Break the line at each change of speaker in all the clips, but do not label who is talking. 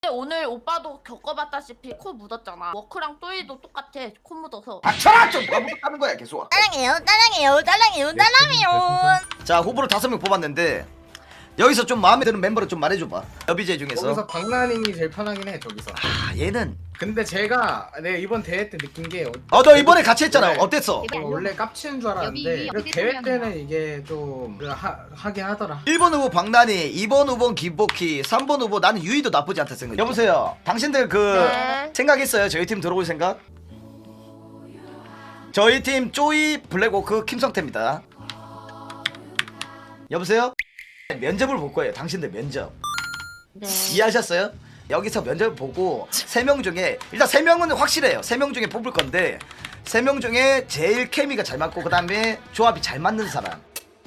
오늘 오빠도 겪어봤다시피 코 묻었잖아. 워크랑 또이도 똑같아. 코 묻어서.
닥쳐라 좀 바보하는 거야 계속.
딸랑해요.
자 후보를 5명 뽑았는데 여기서 좀 마음에 드는 멤버를 좀 말해줘봐. 여비제 중에서.
여기서 박나닝이 제일 편하긴 해 저기서.
아 얘는.
근데 제가 내가 이번 대회 때 느낀 게
너 이번에 같이 했잖아.
네.
어땠어?
원래 깝치는 줄 알았는데 그 대회 때는 이게 좀 하긴 하더라.
1번 후보 박나니, 2번 후보 김복희, 3번 후보 나는 유이도 나쁘지 않다 생각. 여보세요. 당신들
네.
생각했어요? 저희 팀 들어올 생각? 저희 팀 쪼이, 블랙워크, 김성태입니다. 여보세요? 면접을 볼 거예요. 당신들 면접.
네.
이해하셨어요? 여기서 면접을 보고 3명 중에 일단 3명은 확실해요. 3명 중에 뽑을 건데 3명 중에 제일 케미가 잘 맞고 그 다음에 조합이 잘 맞는 사람.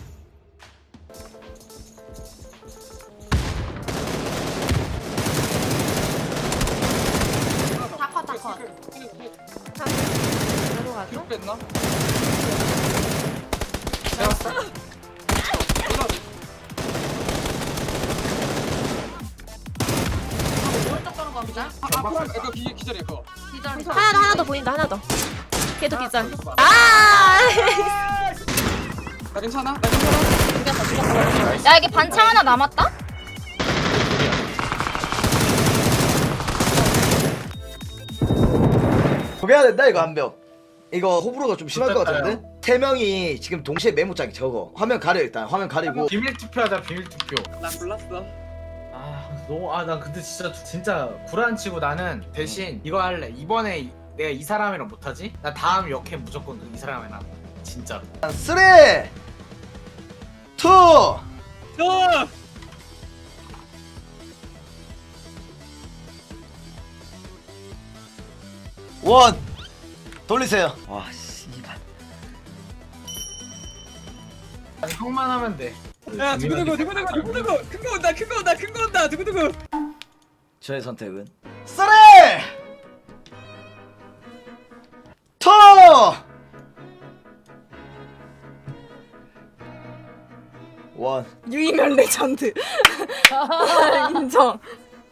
다컷.
뒤로 뺐나?
오른쪽 가는 겁니다.
이거 기절이야 그거.
기절.
하나 더 보인다. 하나 더. 걔도 기절.
나 괜찮아? 나 괜찮아?
야 이게 반창 하나 남았다?
포기해야 된다 이거 한 명. 이거 호불호가 좀 심할 것 같은데? 3명이 지금 동시에 메모장이 적어. 화면 가려 일단. 화면 가리고.
비밀 투표하자 비밀 투표.
나 골랐어.
나 근데 진짜 구라치고 나는 대신 이거 할래. 이번에 내가 이 사람이랑 못하지? 나 다음 역캠 무조건 이 사람이랑 진짜로.
3 2 1 돌리세요. 와 씨발.
형만 하면 돼.
야 두구두구 큰 거 온다 두구두구.
저의 선택은 3 2 1
유이면 레전드. 인정.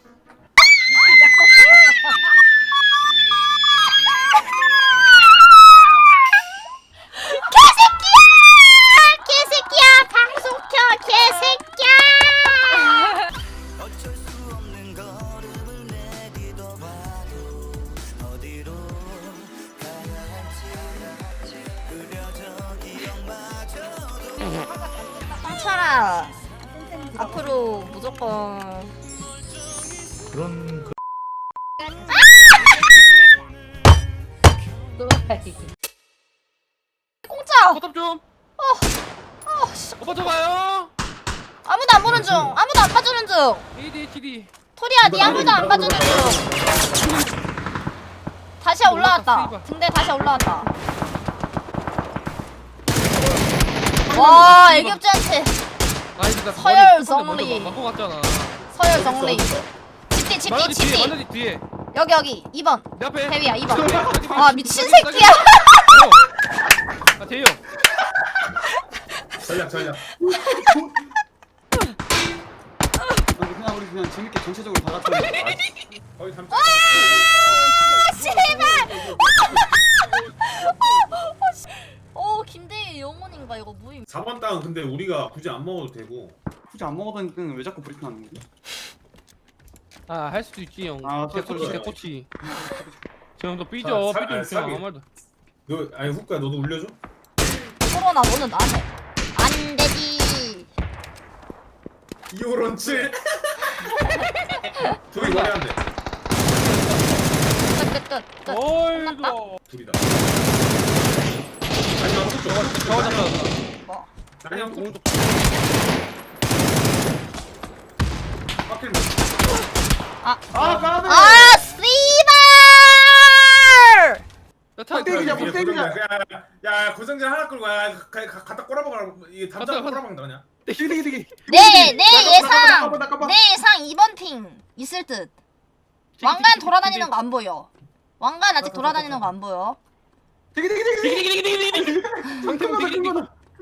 개새끼야 방송 켜 개새끼야. 홍철아 앞으로 무조건
그런
공짜.
포탑 좀. 오빠 저 가요.
아무도 안 보는 중. 아무도 안 봐주는 중.
ADHD.
토리야 니 아무도 안 봐주는 중. 다시 올라왔다. 근데 다시 올라왔다. 와 애교지 않지.
아니 나
서열 정리.
맞고 갔잖아.
서열 정리. 집뒤
만화지 뒤에.
집뒤.
만화지 뒤에.
여기 2번.
내 앞에.
대위야 2번.
여기.
아 미친 새끼야.
아 대형.
전략. 그냥 우리 그냥 재밌게 전체적으로 다 같이 거의 담.
씨발. 김대희 영혼인가 이거 무임.
4번 땅은 근데 우리가 굳이 안 먹어도 되고. 굳이 안 먹어도 되니까 왜 자꾸 브리핑하는 거지?
아 할 수도 있지 형.
아,
대꼬치
소리.
대꼬치. 저 형도 삐져
사-
삐져
사기.
그냥 아무 말도.
너 아니 후크야 너도 울려줘?
코로나 너는 나한테 안 되지.
이오런치. 둘이 머리 안 돼.
끝.
어이구.
둘이다. 마지막 후크.
저거 잡다.
뭐?
마지막 후크.
오른쪽.
빡길.
까비.
아 씨발.
폭대기자. 야 고정진 하나 끌고 갖다 꼬라박아. 이게 담장
갔다.
꼬라박는다 그냥.
되게.
내
까봐.
예상 2번 핑 있을 듯. 왕관 돌아다니는 거 안 보여. 왕관 아직 돌아다니는 거 안 보여.
되게.
상태는 되게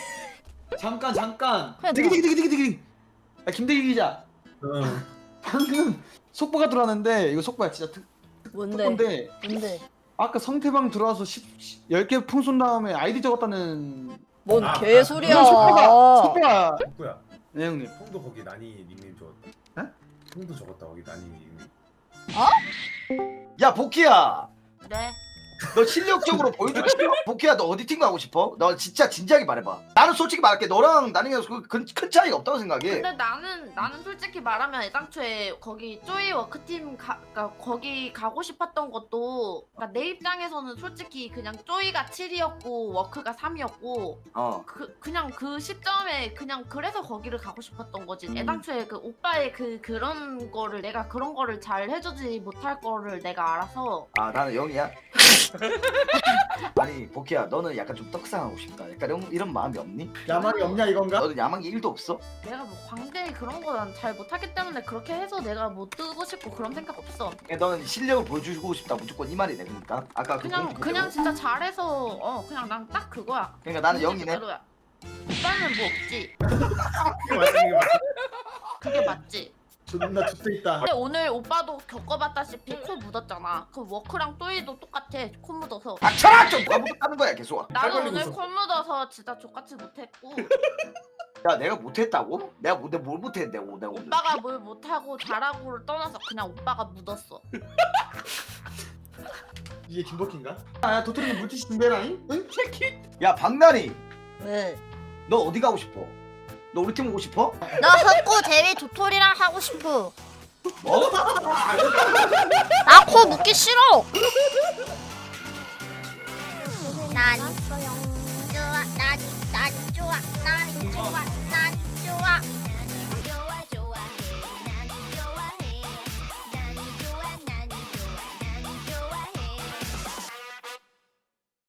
잠깐.
그래,
디기디기디기디기. 야 김대기 기자. 방금 속보가 들어왔는데 이거 속보야 진짜
뭔데?
특보인데.
뭔데?
아까 성태방 들어와서 10개 풍 쏜 다음에 아이디 적었다는
뭔
아,
개소리야.
석구가
누구야?
네 형님.
형도 거기 난이 닉네임 적었다.
에?
형도 적었다 거기 난이 닉네임.
야 복희야
네.
너 실력적으로 보여주고 싶어? 복희야 너 어디 팀 가고 싶어? 너 진짜 진지하게 말해봐. 나는 솔직히 말할게. 너랑 나는 큰 차이가 없다고 생각해.
근데 나는 솔직히 말하면 애당초에 거기 쪼이 워크팀 그러니까 거기 가고 싶었던 것도 그러니까 내 입장에서는 솔직히 그냥 쪼이가 7이었고 워크가 3이었고
어.
그냥 그 시점에 그냥 그래서 거기를 가고 싶었던 거지. 애당초에 그 오빠의 그런 거를 내가 그런 거를 잘 해주지 못할 거를 내가 알아서
아 나는 영이야? 아니 복희야 너는 약간 좀 떡상하고 싶다. 약간 이런 마음이 없니?
야망이 없냐 이건가?
너는 야망이 1도 없어?
내가 뭐 광대 그런 거 난 잘 못하기 때문에 그렇게 해서 내가 뭐 뜨고 싶고 그런 생각 없어.
그냥 너는 실력을 보여주고 싶다 무조건 이 말이네. 그러니까 아까 그
그냥
공부
그냥
그대로.
진짜 잘해서 그냥 난 딱 그거야.
그러니까 나는 영이네.
그대로야. 오빠는 뭐 없지.
그게 맞아 이게 맞아.
그게 맞지.
존나 죽도 있다.
근데 오늘 오빠도 겪어봤다시피 코 묻었잖아. 그 워크랑 또이도 똑같아. 코 묻어서.
닥쳐라 좀 까먹었다는 거야 계속.
나도
걸리고
오늘
있어.
코 묻어서 진짜 족같이 못했고
야 내가 못했다고? 내가 뭘 못했는데 내가 오늘.
오빠가 뭘 못하고 잘하고를 떠나서 그냥 오빠가 묻었어.
이게 김버키인가? 아 도토리는 물티슈 준비해라잉? 응?
야 박나니
왜?
너 어디 가고 싶어? 너 우리 팀 오고 싶어?
나 흑구 제비 도토리랑 하고 싶어.
뭐?
나 코 묻기 싫어. 난